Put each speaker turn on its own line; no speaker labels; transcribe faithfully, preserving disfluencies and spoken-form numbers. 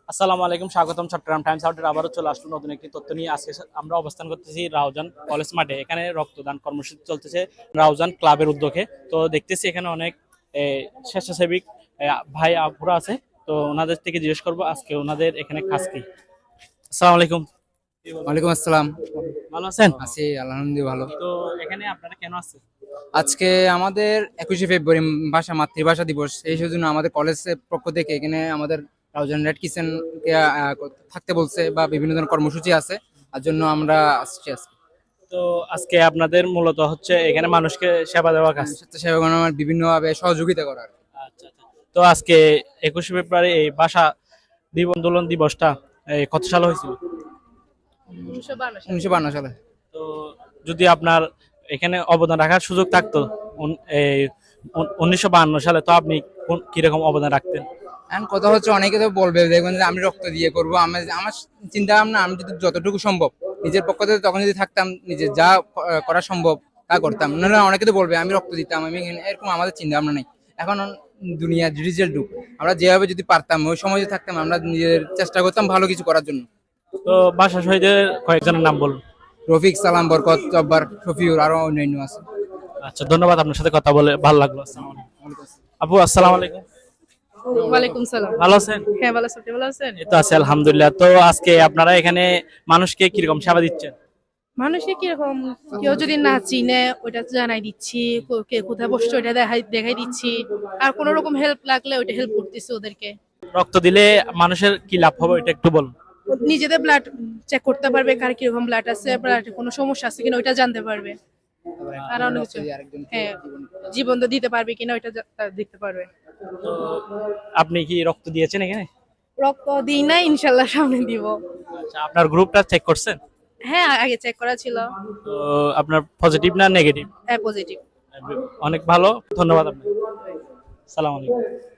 আসসালামু আলাইকুম, স্বাগতম চট্টগ্রাম টাইমস আউটের আবারও চলে আসলো নতুন একটি তথ্য নিয়ে। আজকে আমরা অবস্থান করতেছি রাউজান কলেজ মাঠে। এখানে রক্তদান কর্মসূচি চলতেছে রাউজান ক্লাবের উদ্যোগে। তো দেখতেছি এখানে অনেক স্বেচ্ছাসেবী ভাই আপুরা আছে। তো ওনাদের থেকে জিজ্ঞেস করবো আজকে ওনাদের এখানে কাজ কি। আসসালামু আলাইকুম।
ওয়ালাইকুম আসসালাম।
ভালো আছেন?
আছি আলহামদুলিল্লাহ ভালো।
তো এখানে আপনারা কেন আসছেন?
আজকে আমাদের একুশে ফেব্রুয়ারি ভাষা মাতৃভাষা দিবস, এই জন্য আমাদের কলেজের পক্ষ থেকে এখানে আমাদের রাউজান রেড কিচেনকে থাকতে বলছে বা বিভিন্ন ধরনের কর্মসূচি আছে, তার জন্য আমরা আসছি আজকে।
তো আজকে আপনাদের মূলত হচ্ছে এখানে মানুষকে সেবা দেওয়া কাজ।
স্বেচ্ছাসেবক বিভিন্নভাবে সহযোগিতা করার।
আচ্ছা আচ্ছা। তো আজকে একুশে ফেব্রুয়ারি এই ভাষা দিবস আন্দোলন দিবসটা এই কত সালে হয়েছিল?
উনিশশো বান্ন সালে।
তো যদি আপনার এখানে অবদান রাখার সুযোগ থাকতো উন- এই উনিশশো বাহান্ন সালে, তো আপনি কোন- কিরকম অবদান রাখতেন?
এখন কথা হচ্ছে, অনেকে তো বলবে দেখবেন যে আমি রক্ত দিয়ে করবো। আমি আমার চিন্তা ভাবনা, আমি যদি যতটুকু সম্ভব নিজের পক্ষ থেকে তখন যদি থাকতাম, নিজের যা ক- করা সম্ভব তা করতাম। নাহলে অনেকে তো বলবে আমি রক্ত দিতাম, আমি এখানে- এরকম আমাদের চিন্তা ভাবনা নেই। এখন দুনিয়া ডিজিটাল যুগ, আমরা যেভাবে যদি পারতাম ওই সময় যদি থাকতাম, আমরা নিজের চেষ্টা করতাম ভালো কিছু করার জন্য।
তো ভাষা শহীদের কয়েকজনের নাম বলুন।
রফিক, সালাম, বরকত, জব্বার, শফিউর, আরো অন্যান্য আছে।
আচ্ছা, ধন্যবাদ, আপনার সাথে কথা বলে ভালো লাগলো। আসসালামু আলাইকুম। আপু আসসালামু আলাইকুম।
ওয়ালাইকুম সালাম।
ভালো আছেন?
হ্যাঁ ভালো আছি, আপনি ভালো আছেন?
এই তো আছি আলহামদুলিল্লাহ। তো আজকে আপনারা এখানে মানুষকে কিরকম সেবা দিচ্ছেন?
মানুষে কিরকম, কেউ যদি না চিনে ওইটা জানাই দিচ্ছি, কো- কে কোথায় বসছে ওইটা দেখাই দেখাই দিচ্ছি, আর কোনো রকম হেল্প লাগলে ওইটা হেল্প করতেছি ওদেরকে।
রক্ত দিলে মানুষের কি লাভ হবে এটা একটু বলুন।
নিজেদের ব্লাড চেক করতে পারবে, কার কিরকম ব্লাড আছে, ব্লাডে কোনো সমস্যা আছে কিনা ওইটা জানতে পারবে। আর অনেক কিছু, হ্যাঁ, জীবন তো দিতে পারবে কিনা ওইটা জা- তা দেখতে পারবে।
তো আপনি কি রক্ত দিয়েছেন এখানে?
রক্ত দিই না, ইনশাল্লাহ সামনে দিব।
আচ্ছা, আপনার গ্রুপটা চেক করছেন?
হ্যাঁ আগে চেক করা ছিল।
তো আপনার পজিটিভ না নেগেটিভ?
হ্যাঁ পজিটিভ।
অনেক ভালো, ধন্যবাদ আপনাকে। সালাম আলাইকুম।